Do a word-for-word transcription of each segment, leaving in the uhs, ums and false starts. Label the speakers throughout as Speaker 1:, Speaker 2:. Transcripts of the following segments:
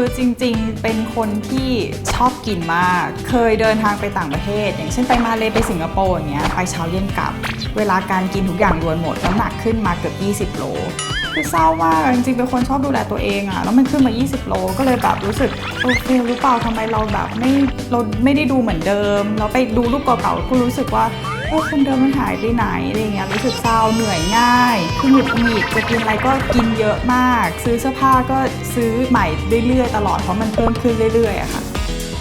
Speaker 1: จริงๆเป็นคนที่ชอบกินมากเคยเดินทางไปต่างประเทศอย่างเช่นไปมาเลไปสิงคโปร์อย่างเงี้ยไปเช้าเย็นกลับเวลาการกินทุกอย่างรวนหมดน้ำหนักขึ้นมาเกือบยี่สิบโลคือเศร้ามากจริงๆเป็นคนชอบดูแลตัวเองอะแล้วมันขึ้นมายี่สิบโลก็เลยแบบรู้สึกโอเคหรือเปล่าทำไมเราแบบไม่เราไม่ได้ดูเหมือนเดิมเราไปดูรูปเก่าๆก็รู้สึกว่าโอ้คนเดิมมันหายไปไหนอะไรเงี้ยรู้สึกเศร้าเหนื่อยง่ายคือหงุดหงิดจะกินอะไรก็กินเยอะมากซื้อเสื้อผ้าก็ซื้อใหม่เรื่อยๆตลอดเพราะมันเพิ่มขึ้นเรื่อยๆอะค่ะ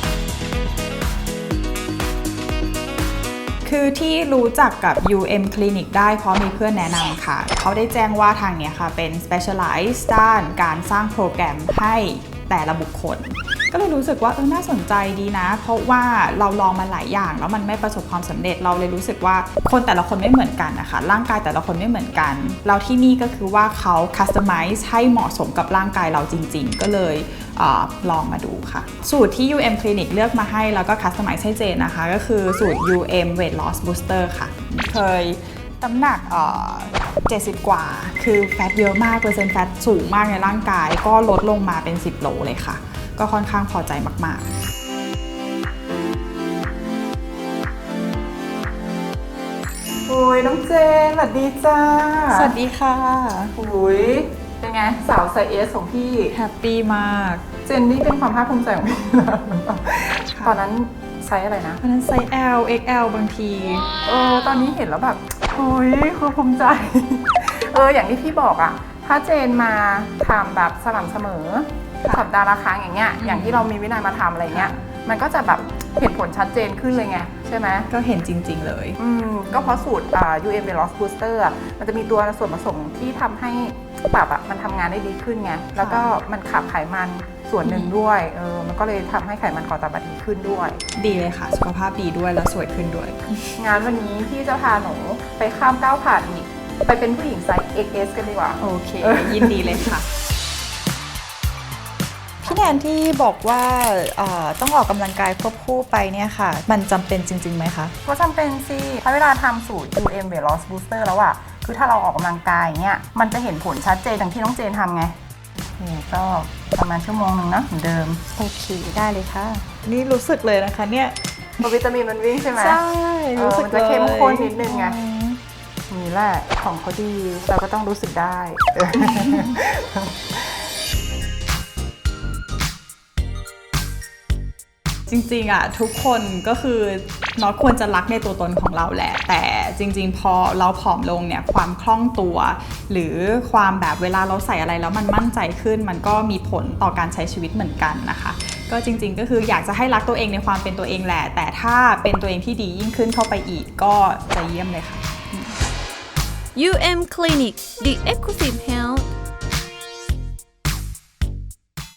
Speaker 1: คือที่รู้จักกับ ยู เอ็ม Clinic ได้เพราะมีเพื่อนแนะนำค่ะเขาได้แจ้งว่าทางเนี้ยค่ะเป็น specialize ด้านการสร้างโปรแกรมให้แต่ละบุคคลก็เลยรู้สึกว่าเออน่าสนใจดีนะเพราะว่าเราลองมาหลายอย่างแล้วมันไม่ประสบความสำเร็จเราเลยรู้สึกว่าคนแต่ละคนไม่เหมือนกันนะคะร่างกายแต่ละคนไม่เหมือนกันแล้วที่นี่ก็คือว่าเขา customize ให้เหมาะสมกับร่างกายเราจริงๆก็เลยเออลองมาดูค่ะสูตรที่ ยู เอ็ม Clinic เลือกมาให้แล้วก็ customize ให้เจนนะคะก็คือสูตร ยู เอ็ม Weight Loss Booster ค่ะเคยน้ำหนักเอ่อเจ็ดสิบกว่าคือแฟตเยอะมากเปอร์เซ็นต์แฟตสูงมากในร่างกายก็ลดลงมาเป็นสิบโลเลยค่ะก็ค่อนข้างพอใจมากๆ
Speaker 2: โอ้ยน้องเจนสวัสดีจ้า
Speaker 1: สวัสดีค่ะ
Speaker 2: โอ้ยเป็นไงสาวไซส์เอสของพี่
Speaker 1: แฮปปี้มาก
Speaker 2: เจนนี่เป็นความภาคภูมิใจของพี่นะตอนนั้นไซส์อะไรนะ
Speaker 1: ตอนนั้นไซส์ L เอ็กซ์ แอล บางที
Speaker 2: เออตอนนี้เห็นแล้วแบบโอ้ยคือภูมิใจเอออย่างที่พี่บอกอะถ้าเจนมาทำแบบสม่ำเสมอสัปดาห์ละครั้งอย่างเงี้ยอย่างที่เรามีวินัยมาทำอะไรเงี้ยมันก็จะแบบเห็นผลชัดเจนขึ้นเลยไงใช่ไหม
Speaker 1: ก็เห็นจริงๆเลย
Speaker 2: อืมก็เพราะสูตรอ่า ยู เอ็ม Weight Loss Booster อ่ะมันจะมีตัวส่วนผสมที่ทำให้ตับอ่ะมันทำงานได้ดีขึ้นไงแล้วก็มันขับไขมันส่วนหนึ่งด้วยเออมันก็เลยทำให้ไขมันคอตับดีขึ้นด้วย
Speaker 1: ดีเลยค่ะสุขภาพดีด้วยแล้วสวยขึ้นด้วย
Speaker 2: งานวันนี้พี่จะพาหนูไปข้ามก้าวผ่านอีกไปเป็นผู้หญิงไซส์ เอ็กซ์ เอส กันดีกว่า
Speaker 1: โอเคยินดีเลยค่ะพี่แนนที่บอกว่าต้องออกกำลังกายควบคู่ไปเนี่ยค่ะมันจำเป็นจริงๆไหมคะ
Speaker 2: ก็จำเป็นสิถ้าเวลาทำสูตร ยู เอ็ม Weight Loss Booster แล้วอะคือถ้าเราออกกำลังกายเนี่ยมันจะเห็นผลชัดเจนอย่างที่น้องเจนทำไงนี่ก็ประมาณชั่วโมงนึงนะเหมือนเดิม
Speaker 1: โอเคได้เลยค่ะนี่รู้สึกเลยนะคะเนี่ย
Speaker 2: วิตามินมันวิ่งใช่ไหม
Speaker 1: ใช่รู้สึก
Speaker 2: มันจะเข้มข้นนิดนึงไงนี่แหละของเขาดีเราก็ต้องรู้สึกได้
Speaker 1: จริงๆอ่ะทุกคนก็คือเนาะควรจะรักในตัวตนของเราแหละแต่จริงๆพอเราผอมลงเนี่ยความคล่องตัวหรือความแบบเวลาเราใส่อะไรแล้วมันมั่นใจขึ้นมันก็มีผลต่อการใช้ชีวิตเหมือนกันนะคะก็จริงๆก็คืออยากจะให้รักตัวเองในความเป็นตัวเองแหละแต่ถ้าเป็นตัวเองที่ดียิ่งขึ้นเข้าไปอีกก็จะเยี่ยมเลยค่ะ
Speaker 3: ยู เอ็ม Clinic The Exclusive Health